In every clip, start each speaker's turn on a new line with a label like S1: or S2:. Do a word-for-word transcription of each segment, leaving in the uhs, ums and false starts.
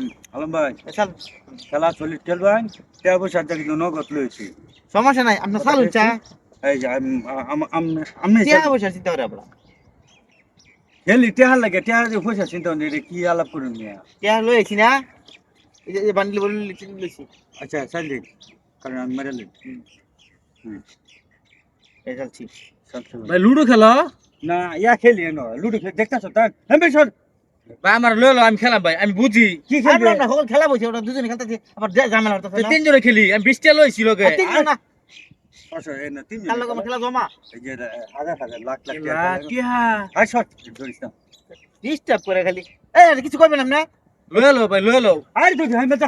S1: আলম ভাই
S2: চল
S1: খেলা চল্লিশ খেলবেন তেরো বছর থেকে নগদ লইছি
S2: সমস্যা নাই আপনার চালু চা
S1: এই যে আমি
S2: টিয়া বসে চিন্তা করে আপনার
S1: খেলি টেহার লাগে টেহার যে পয়সা চিন্তা নেই কি আলাপ করুন মিয়া
S2: টিয়া লইছি না এই যে বান্ডিল বলে লইছি
S1: আচ্ছা চাল দিন কারণ আমি মেরে লিখ হুম
S2: এই চলছি
S3: ভাই লুডো খেলো
S1: না ইয়া খেলি না লুডো খেলে দেখতেছো তার হ্যাঁ বেশর
S3: ভাই আমার লইলো আমি খেলাম ভাই আমি বুঝি
S1: কি খেলবে
S2: আমরা সকল খেলা বসে ওরা দুজনে খেলতেছি আবার ঝামেলা হচ্ছে
S3: তো তিনজনে খেলি আমি বিশটা লইছি লগে
S2: তিনজন না
S1: আচ্ছা এই না তিন
S2: খেলা লোক খেলা জমা
S1: এই যে হাজার হাজার লাখ লাখ
S3: কিহা
S1: আর শর্ট ধরিস না
S2: ডিস্টার্ব করে খালি এই কিছু করবেন আপনি
S3: লইলো ভাই লইলো
S1: আর তো হ্যাঁ বেটা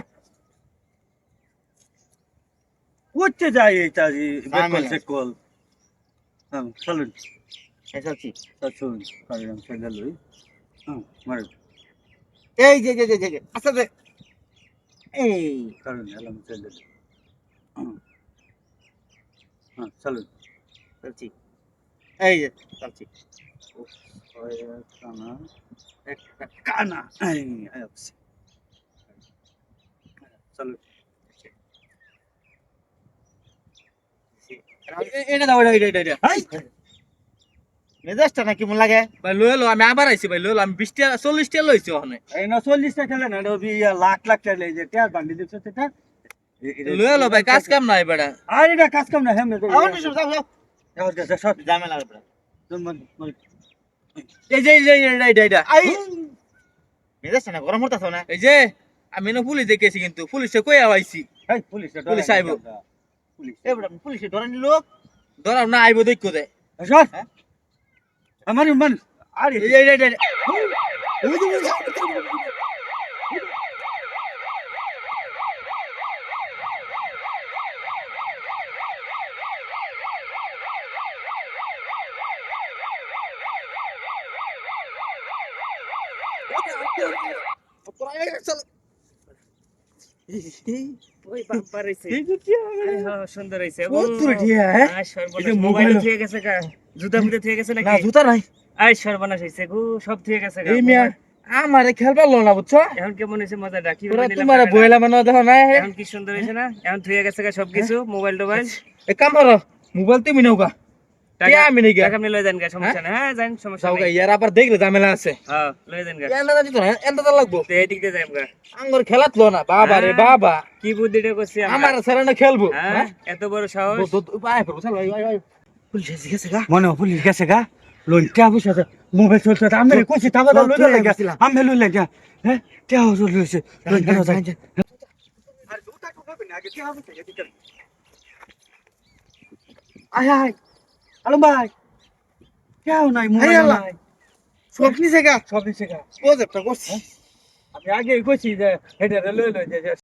S1: উঠতে যায় এটা বেকল সেকল হ্যাঁ চলুন
S2: এই চলছি
S1: চলুন কারণ ছেলে লই হ্যাঁ মার
S2: এই যে যে যে যে আচ্ছা যে এই
S1: কারণ এলাম ছেলে হ্যাঁ চলুন
S2: চলছি এই যে চলছি
S1: কানা একটা কানা এই আইছি চলুন
S3: এটা দাও এটা এটা এটা
S1: হাই
S2: মেজাজটা না কেমন লাগে
S3: ভাই লইলো আমি আবার আইছি ভাই লইলো আমি বিশটা চল্লিশটা লইছি ওখানে
S1: এই না চল্লিশটা খেলে না ওই লাখ লাখ টাকা যে টেয়ার বান্ডি দিচ্ছে সেটা
S3: লইলো ভাই কাজ কাম নাই বেটা
S1: আর এটা কাজ কাম না হ্যাঁ
S2: আমার কিছু যাও যাও
S1: এখন কাছে সব
S2: ঝামেলা হবে
S3: এই যে এই যে এটা এটা এটা
S2: আই মেজাজটা না গরম হতাছ না
S3: এই যে আমি না পুলিশ দেখেছি কিন্তু পুলিশে কই আইছি
S1: এই পুলিশ
S3: পুলিশ আইবো
S1: পুলিশ
S2: এই বড় পুলিশে ধরেন লোক
S3: ধরাও না আইবো দেখো দে
S1: সর আমার মান আরে
S3: এই যে এই যে
S4: ওই বাম্পার হইছে হ্যাঁ সুন্দর হইছে ও
S3: কত টিয়া হ্যাঁ
S4: আয় সর্বনাশ মোবাইল থুয়ে গেছে গা জুতা ফুটে থুয়ে গেছে
S3: না
S4: নাকি
S3: জুতা নাই
S4: আয় সর্বনাশ হইছে গো সব থুয়ে গেছে গা
S3: এই মিয়া আমারে খেলবার লো না বুঝছো
S4: এখন কেমন হইছে মজাটা কি
S3: তোরা
S4: নিলাম
S3: তোমারে বইলা মানে দেখো না
S4: এখন কি সুন্দর হইছে না এখন থুয়ে গেছে গা সবকিছু মোবাইল টোবাইল
S3: এক কাম করো মোবাইল তুমি নাও গা কে আমি নেই গা
S4: টাকা আপনি লয়ে যান গা সমস্যা না হ্যাঁ যান সমস্যা
S3: যাও গা
S4: নাই
S3: ইয়ার আবার দেখলে ঝামেলা আছে
S4: হ্যাঁ লয়ে যান গা
S3: এন্ডা দিত না এন্ডা লাগবো
S4: তো এই দিক দিয়ে যাইম গা
S3: আঙ্গুর খেলাত লো না বাবা রে বাবা
S4: কি বুদ্ধিটা করছি আমরা
S3: আমার সারা না খেলবো
S4: হ্যাঁ এত বড় সাহস
S3: আয় পড়বো চল ভাই ভাই
S2: পুলিশ এসে গেছে গা
S1: মনে হয় পুলিশ গেছে গা লোন টিয়া বসে আছে মোবাইল চলছে আমি কইছি তাবা দাও লই লাগে আমি লই লাগে হ্যাঁ টিয়া চলছে লোন টিয়া যায় আর দুটা টুকবে না আগে টিয়া বসে এদিকে আয় আয় আলম ভাই কেউ নাই মোবাইল নাই
S2: সব নিছে গা
S1: সব দিছে গা
S2: প্রজেক্টটা করছি
S1: আমি আগে কইছি যে হেডে লই লই যে